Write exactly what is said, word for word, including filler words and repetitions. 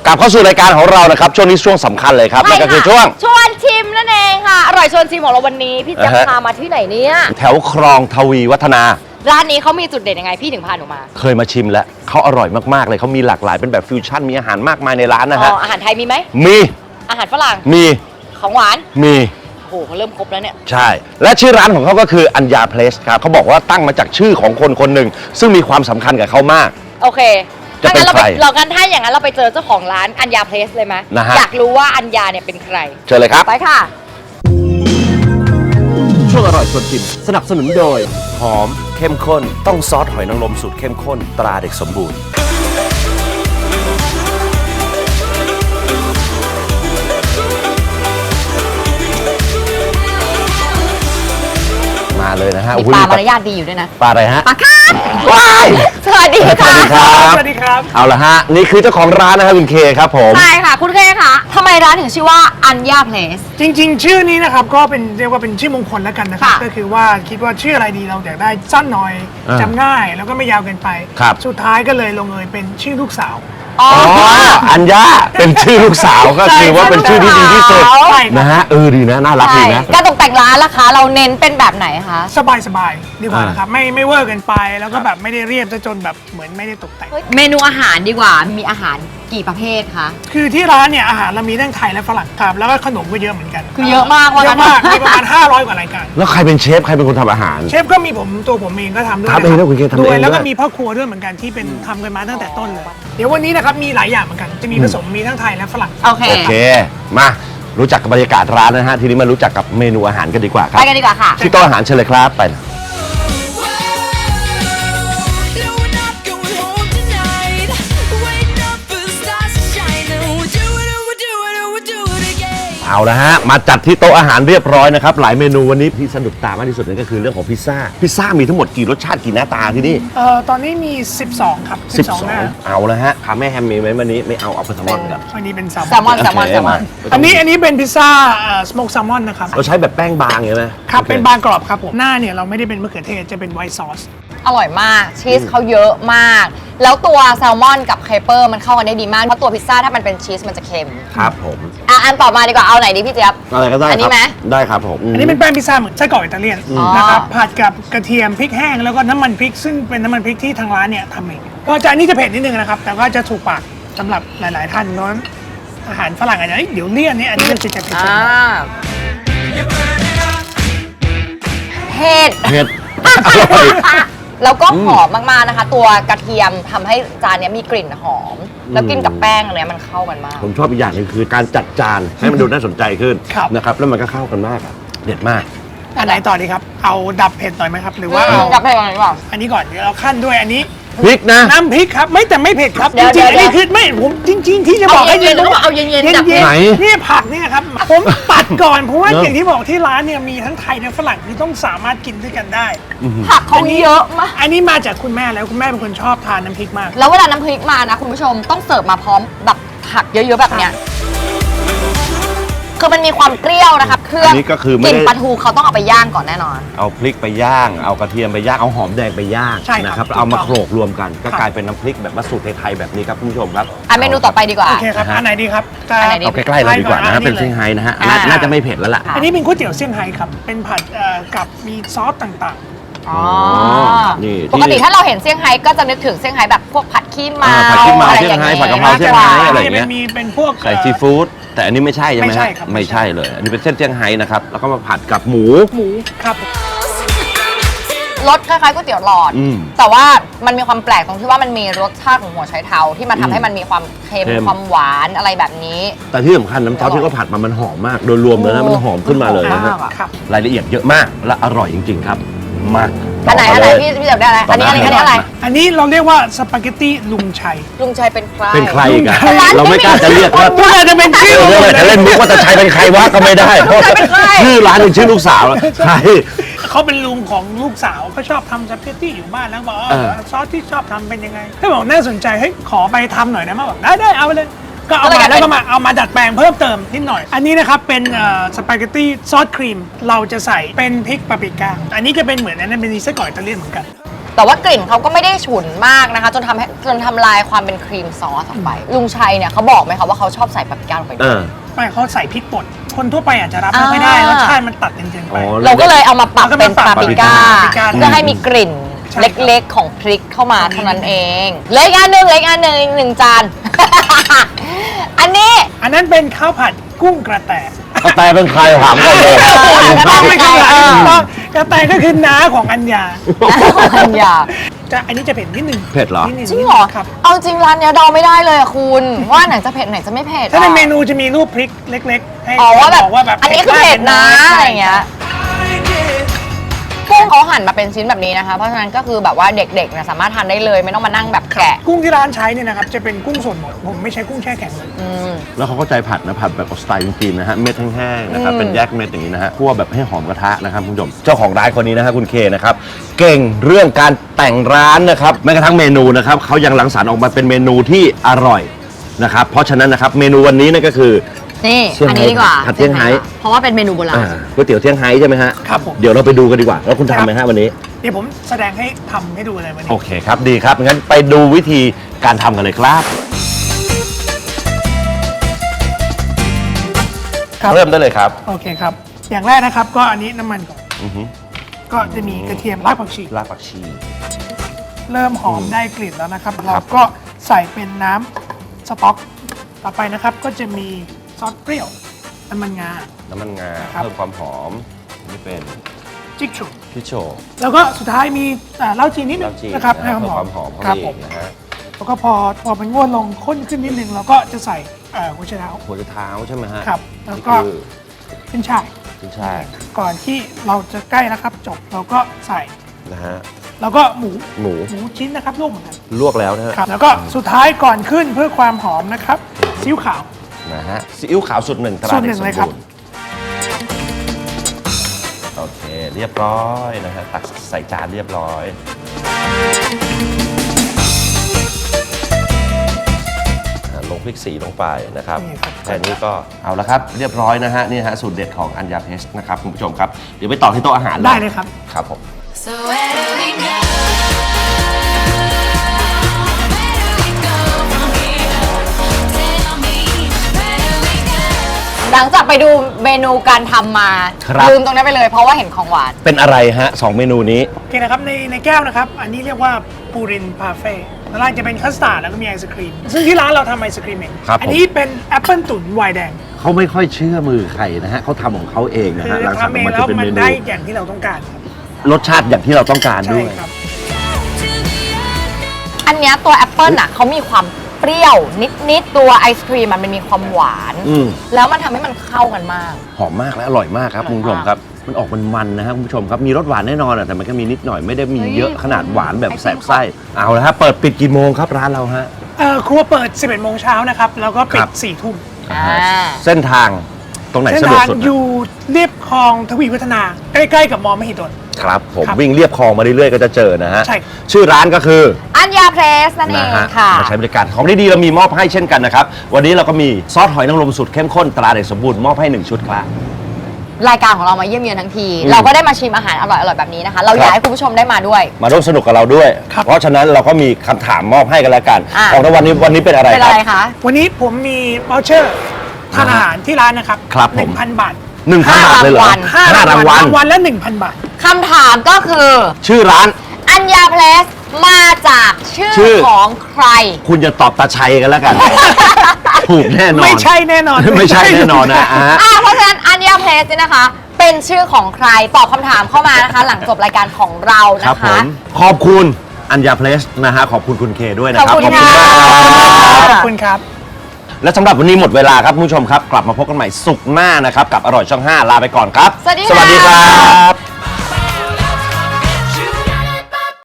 กลับเข้าสู่รายการของเรานะครับช่วงนี้ช่วงสำคัญเลยครับนั่นก็คือช่วงชวนชิมนั่นเองค่ะอร่อยชวนชิมของเราวันนี้พี่จะพามาที่ไหนเนี่ยแถวคลองทวีวัฒนาร้านนี้เขามีจุดเด่นยังไงพี่ถึงพาหนูมาเคยมาชิมแล้วเขาอร่อยมากๆเลยเขามีหลากหลายเป็นแบบฟิวชั่นมีอาหารมากมายในร้านนะฮะอ๋ออาหารไทยมีไหมมีอาหารฝรั่งมีของหวานมีโอ้โหเขาเริ่มครบแล้วเนี่ยใช่และชื่อร้านของเขาก็คืออัญญาเพลสครับเขาบอกว่าตั้งมาจากชื่อของคนคนหนึ่งซึ่งมีความสำคัญกับเขามากโอเคจะเป็นใครเรากันถ้าอย่างนั้นเราไปเจอเจ้าของร้านอัญญาเพลสเลยไหมนะฮะอยากรู้ว่าอัญญาเนี่ยเป็นใครเชิญเลยครับไปค่ะช่วงอร่อยชวนชิมสนับสนุนโดยหอมเข้มข้นต้องซอสหอยนางรมสูตรเข้มข้นตราเด็กสมบูรณ์มาเลยนะฮะมีปลามารยาทดีอยู่ด้วยนะปลาอะไรฮะปลาคาร์ฟว้ายสวัสดีค่ะสวัสดีครับสวัสดีครับเอาละฮะนี่คือเจ้าของร้านนะครับคุณเคครับผมใช่ค่ะคุณเคค่ะทำไมร้านถึงชื่อว่าอัญญาเพลสจริงๆชื่อนี้นะครับก็เป็นเรียกว่าเป็นชื่อมงคลแล้วกันนะครับก็คือว่าคิดว่าชื่ออะไรดีเราอยากได้สั้นหน่อยจำง่ายแล้วก็ไม่ยาวเกินไปสุดท้ายก็เลยลงเอยเป็นชื่อลูกสาวอ๋ออัญญาเป็นชื่อลูกสาวก็คือว่าเป็นชื่อที่ดีที่สุดนะฮะเออดีนะน่ารักดีนะการตกแต่งร้านล่ะคะเราเน้นเป็นแบบไหนคะสบายสบายดีกว่านะครับไม่ไม่เวอร์เกินไปแล้วก็แบบไม่ได้เรียบจนแบบเหมือนไม่ได้ตกแต่งเมนูอาหารดีกว่ามีอาหารกี่ประเภทคะคือที่ร้านเนี่ยอาหารเรามีทั้งไทยและฝรั่งครับแล้วก็ขนมก็เยอะเหมือนกันคือเยอะมากเยอะมากมีประมาณห้าร้อยกว่ารายการแล้วใครเป็นเชฟใครเป็นคนทำอาหารเชฟก็มีผมตัวผมเองก็ทำด้วยทำเองแล้วคุณเคทำเองด้วยแล้วก็มีพ่อครัวด้วยเหมือนกันที่เป็นทำกันมาตั้งแต่ต้นเลยเดี๋ยววันนี้นะครับมีหลายอย่างเหมือนกันจะมีผสมมีทั้งไทยและฝรั่งโอเคโอเคมารู้จักกับบรรยากาศร้านนะฮะทีนี้มารู้จักกับเมนูอาหารกันดีกว่าครับไปกันดีกว่าค่ะที่โต๊ะอาหารเชิญเลยครับไปเอาละฮะมาจัดที่โต๊ะอาหารเรียบร้อยนะครับหลายเมนูวันนี้ที่สนุกตามากที่สุดนั่นก็คือเรื่องของพิซซ่าพิซซ่ามีทั้งหมดกี่รสชาติกี่หน้าตาที่นี่เอ่อตอนนี้มีสิบสองครับสิบสองเอาละฮะพาแม่แฮมมีไหมวันนี้ไม่เอาเอาแซลมอนกันอันนี้เป็นแซลมอนแซลมอนแซลมอนอันนี้อันนี้เป็นพิซซ่าสโมกแซลมอนนะครับเราใช้แบบแป้งบางใช่ไหมครับเป็นบางกรอบครับผมหน้าเนี่ยเราไม่ได้เป็นมะเขือเทศจะเป็นไวท์ซอสอร่อยมากชีสเขาเยอะมากแล้วตัวแซลมอนกับเคเปอร์มันเข้ากันได้ดีมากเพราะตัวพิซซ่าถ้ามันเป็นชีสมันจะเค็มครับผมอ่ะอันต่อมาดีกว่าเอาไหนดีพี่เจี๊ยบอะไรก็ได้อันนี้ไหมได้ครับผมอันนี้เป็นแป้งพิซซ่าเหมือนไส้กรอกอิตาเลียนนะครับผัดกับกระเทียมพริกแห้งแล้วก็น้ำมันพริกซึ่งเป็นน้ำมันพริกที่ทางร้านเนี่ยทำเองก็จะอันนี้จะเผ็ดนิดนึงนะครับแต่ก็จะถูกปากสำหรับหลายๆท่านเพราะอาหารฝรั่งอาจจะเดี๋ยวเลี่ยนนี่อันนี้จะจะเผ็ดเผ็ดเผ็ดแล้วก็หอมมากๆนะคะตัวกระเทียมทำให้จานนี้มีกลิ่นหอมแล้วกินกับแป้งเนี่ยมันเข้ากันมากผมชอบอีกอย่างนึงคือการจัดจานให้มันดูน่าสนใจขึ้นนะครับแล้วมันก็เข้ากันมากเด็ดมากอันไหนต่อดีครับเอาดับเผ็ดหน่อยไหมครับหรือว่าเอาดับเผ็ดก่อนดีกว่าอันนี้ก่อนเดี๋ยวเราขั้นด้วยอันนี้พริกนะน้ำพริกครับไม่แต่ไม่เผ็ดครับจริงๆอันนี้คือไม่ผมจริงๆที่จะบอกให้เย็นๆเอาเย็นๆดับเผ็ดไหนนี่ผักเนี่ยครับผมปัดก่อนเพราะว่าอย่างที่บอกที่ร้านเนี่ยมีทั้งไทยและฝรั่งที่ต้องสามารถกินด้วยกันได้ผักเขาเยอะมากอันนี้มาจากคุณแม่แล้วคุณแม่เป็นคนชอบทานน้ำพริกมากแล้วเวลาน้ำพริกมานะคุณผู้ชมต้องเสิร์ฟมาพร้อมแบบผักเยอะๆแบบเนี้ยคือมันมีความเปรี้ยวนะครับเครื่องนี้ก็คือกลิ่นปลาทูเขาต้องเอาไปย่างก่อนแน่นอนเอาพริกไปย่างเอากระเทียมไปย่างเอาหอมแดงไปย่างนะครับเอามาโขลกรวมกันก็กลายเป็นน้ำพริกแบบมาสูตรไทยๆแบบนี้ครับคุณผู้ชมครับอ่ะเมนูต่อไปดีกว่าโอเคครับอันไหนดีครับเอาใกล้ๆเราดีกว่านะเป็นเซี่ยงไฮ้นะฮะน่าจะไม่เผ็ดแล้วล่ะอันนี้เป็นก๋วยเตี๋ยวเซี่ยงไฮ้ครับเป็นผัดกับมีซอสต่างๆอ๋อปกติถ้าเราเห็นเซี่ยงไฮ้ก็จะนึกถึงเซี่ยงไฮ้แบบพวกผัดขี้เมาผัดขี้เมาเซี่ยงไฮ้ผัดกะเพราเซี่ยงไฮ้อะไรอย่างเงี้ยมีเป็นพวกใส่ซีฟู้ดแต่อันนี้ไม่ใช่ใช่ไหมฮะไม่ใช่เลยอันนี้เป็นเส้นเซี่ยงไฮ้นะครับแล้วก็มาผัดกับหมูหมูครับรสคล้ายๆก๋วยเตี๋ยวหลอดแต่ว่ามันมีความแปลกตรงที่ว่ามันมีรสชาติของหัวไชเท้าที่มาทำให้มันมีความเค็มความหวานอะไรแบบนี้แต่ที่สำคัญน้ำซอสที่เขาผัดมามันหอมมากโดยรวมเลยนะมันหอมขึ้นมาเลยนะครับรายละเอียดเยอะมากและอร่อยจริงๆครับมากอันไหนอันไหนพี่พี่จับได้อะไรอันนี้อันนี้อะไรอันนี้เราเรียกว่าสปาเกตตี้ลุงชัยลุงชัยเป็นใครเป็นใครกันเราไม่กล้าจะเรียกว่าน่าจะเป็นชื่อจะเล่นมุกว่าจะชัยเป็นใครวะก็ไม่ได้เพราะชื่อร้านเป็นชื่อลูกสาวใช่เขาเป็นลุงของลูกสาวเขาชอบทำสปาเกตตี้อยู่บ้านแล้วบอกซอสที่ชอบทำเป็นยังไงเขาบอกน่าสนใจเฮ้ยขอไปทำหน่อยนะมาบอกได้ได้เอาไปเลยก็เอามาแล้วก็มาเอามาดัดแปลงเพิ่มเติมนิดหน่อยอันนี้นะครับเป็นสปาเกตตี้ซอสครีมเราจะใส่เป็นพริกปาปริก้าอันนี้จะเป็นเหมือนอันนั้นเป็นไส้กรอกอิตาเลียนเหมือนกันแต่ว่ากลิ่นเขาก็ไม่ได้ฉุนมากนะคะ จนทำให้จนทำลายความเป็นครีมซอสออกไป ลุงชัยเนี่ยเขาบอกไหมคะว่าเขาชอบใส่ปาปริก้าลงไปด้วยไม่เขาใส่พริกป่นคนทั่วไปอาจจะรับไม่ค่อยได้อ่ารสชาติมันตัดจริงๆไปอ๋อเราก็เลยเอามาปรับเป็นปาปริก้าปาปริก้าเพื่อให้มีกลิ่นใช่เล็กๆของพริกเข้ามาเท่านั้นเองเล็กอันหนึ่งเล็กอันหนึ่งอีกหนึ่งจาน อันนี้อันนั้นเป็นข้าวผัดกุ้งกระแตกระแตเป็นใครถามก่อนเลยต้องไม่ข้างหลังเออต้องกระแตก็คือน้าของอัญญาอันยาจะอันนี้จะเผ็ดนิดนึงเผ็ดเหรอนิดนึจริงเหรอครับเอาจริงร้านเนี้ยเดาไม่ได้เลยอะคุณ ว่าไหนจะเผ็ดไหนจะไม่เผ็ดถ้าในอะเมนูจะมีรูปพริกเล็กๆ ให้อ๋อว่าแบบบอกว่าแบบอันนี้คือเผ็ดนะมากอะไรอย่างเงี้ยกุ้งเขาหั่นมาเป็นชิ้นแบบนี้นะคะ เพราะฉะนั้นก็คือแบบว่าเด็กๆเนี่ยสามารถทานได้เลยไม่ต้องมานั่งแบบแกะกุ้งที่ร้านใช้เนี่ยนะครับจะเป็นกุ้งสดหมดผมไม่ใช้กุ้งแช่แข็งเลยอืมแล้วเขาก็ใจผัดนะผัดแบบสไตล์จีนๆนะฮะเม็ดแห้งๆนะครับอืมเป็นแยกเม็ดอย่างนี้นะฮะคั่วแบบให้หอมกระทะนะครับคุณผู้ชมเจ้าของร้านคนนี้นะฮะคุณเคนะครับเก่งเรื่องการแต่งร้านนะครับแม้กระทั่งเมนูนะครับเขายังรังสรรค์ออกมาเป็นเมนูที่อร่อยนะครับเพราะฉะนั้นนะครับเมนูวันนี้นั่นก็คือนี่เซี่ยงไฮ้อันนี้ดีกว่าผัดเซี่ยงไฮ้เพราะว่าเป็นเมนูโบราณอ่าก๋วยเตี๋ยวเที่ยงไฮ้ใช่ไหมฮะครับผมเดี๋ยวเราไปดูกันดีกว่าแล้วคุณทำไหมฮะวันนี้เดี๋ยวผมแสดงให้ทำให้ดูเลยวันนี้โอเคครับดีครับงั้นไปดูวิธีการทำกันเลยครับครับเริ่มได้เลยครับโอเคครับ อย่างแรกนะครับก็อันนี้น้ำมันก่อนอือฮึก็จะมีกระเทียมรากผักชีรากผักชีเริ่มหอมได้กลิ่นแล้วนะครับ เราก็ใส่เป็นน้ำสต๊อก ต่อไปนะครับก็จะมีซอสเปรี้ยวน้ำมันงาน้ำมันงาครับเพิ่มความหอมนี่เป็นจิ๊กชูพิโชแล้วก็สุดท้ายมีอ่าเหล้าจีนนิดนึเหล้าง จีนนะครับนะให้เพิ่มหคอวาม มหอมเข้าคไปรับอีผกมนะฮะแล้วก็พอพอมันงวดลงข้นขึ้นนิดนึงเราก็จะใส่เอ่อหัวไชเท้าหัวจะเท้าใช่ไหมฮะครับแล้วนี่ก็คือขึ้นช่ายขึ้นช่ายก่อนที่เราจะใกล้นะครับจบเราก็ใส่นะฮะแล้วก็หมูหมูหมูชิ้นนะครับลวกเหมือนกันลวกแล้วนะฮะครับแล้วก็สุดท้ายก่อนขึ้นเพื่อความหอมนะครับซีอิ๊วขาวนะฮะซีอิ๊วขาวสูตรหนึ่งตราสูตรหเด็นึ่กงสมเลยครับบูรณ์โอเคเรียบร้อยนะฮะตักใส่จานเรียบร้อยอ่าลงพริกสีลงไปนะครับนี่ครับแค่นี้ก็เอาละครับเรียบร้อยนะฮะนี่ฮะสูตรเด็ดของอัญญาเพชรนะครับคุณผู้ชมครับเดี๋ยวไปต่อที่โต๊ะอาหารได้เลยครับครับผม So where do we go? Where do we go from here? Tell me, where do we go? หลังจากไปดูเมนูการทำมาครับลืมตรงนั้นไปเลยเพราะว่าเห็นของหวานเป็นอะไรฮะสองเมนูนี้โอเคนะครับในในแก้วนะครับ อันนี้เรียกว่าปูรินพาเฟ่แล้วร้านจะเป็นคัสตาร์ดแล้วก็มีไอศครีม ซึ่งที่ร้านเราทำไอศครีมเองครับผมอันี้เป็นแอปเปิลตุ๋นไวน์แดงเขาไม่ค่อยเชื่อมือใครนะฮะเขาทำของเขาเองนะคืฮะอหลังจากทำเองมันแล้จะวเป็นมัเมนนูได้อย่างที่เราต้องการครับรสชาติอย่างที่เราต้องการใช่ด้วยครับอันเนี้ยตัวแอปเปิลอ่ะเขามีความเปรี้ยวนิดๆตัวไอศครีมอะมันมีความหวานอืมแล้วมันทำให้มันเข้ากันมากหอมมากและอร่อยมากครับอร่อยคุณผู้ชมมากครับ มันออกมันมันๆนะฮะคุณผู้ชมครับมีรสหวานแน่นอนอะแต่มันก็มีนิดหน่อยไม่ได้มีเฮ้ยเยอะขนาดหวานแบบไอติมแสบไส้เอาละฮะเปิดปิดกี่โมงครับร้านเราฮะเอ่อครัวเปิด สิบเอ็ดโมงเช้านะครับ แล้วก็ปิครัดบสี่ทุ่มอ่าเส้นทางตรงไหนเส้นสะดวกทางสุดอนะยู่เรียบคลองทวีวัฒนา ใกล้ๆกับมอมหิดลครับผมครับวิ่งเรียบคลองมาเรื่อยๆก็จะเจอนะฮะใช่ชื่อร้านก็คืออัญญาเพรสนั่นเอนะงฮะค่ะมาใช้บริการของดีๆเรามีมอบให้เช่นกันนะครับวันนี้เราก็มีซอสหอยนางรมสูตรเข้มข้นตราเด็กสมบูรณ์มอบให้หนึ่งชุดครับรายการของเรามาเยี่ยมเยือนทั้งทีอืมเราก็ได้มาชิมอาหารอร่อยๆแบบนี้นะคะ เราอยากให้คุณผู้ชมได้มาด้วยมาร่วมสนุกกับเราด้วยครับเพราะฉะนั้นเราก็มีคำถามมอบให้กันแล้วกันอ่ะของรางวัลนี้วันนี้เป็นอะไรเป็นคอะรับไรคะวันนี้ผมมีวอลเชอร์ทานอาหารที่ร้านนะครับครับผมหนึ่งพันบาทหนึ่งพันห้าบาทเลยเหรอรางวัลห้ารางวัลรางวัลละหนึ่งพันบาทคำถามก็คือชื่อร้านอัญญาเพรสมาจากชื่อชื่อของใครคุณจะตอบตาชัยกันแล้วกัน ถูกแน่นอนไม่ใช่แน่นอนไม่ใช่แน่นอนนะอ่ะอ่าเพราะฉะนั้นอัญญาเพรสเนี่ยนะคะ เป็นชื่อของใครตอบคำถามเข้ามานะคะ หลังจบรายการของเราครับนะผคะมขอบคุณอัญญาเพลสนะฮะขอบคุณคุณเคด้วยนะครัขอบคุณมากค่ะขอบคุณครับและสำหรับวันนี้หมดเวลาครับคุณผู้ชมครับ กลับมาพบกันใหม่สุกร์หน้านะครับ กับอร่อยช่องห้าลาไปก่อนครับสวัสดีสวัสดีค่ะครับ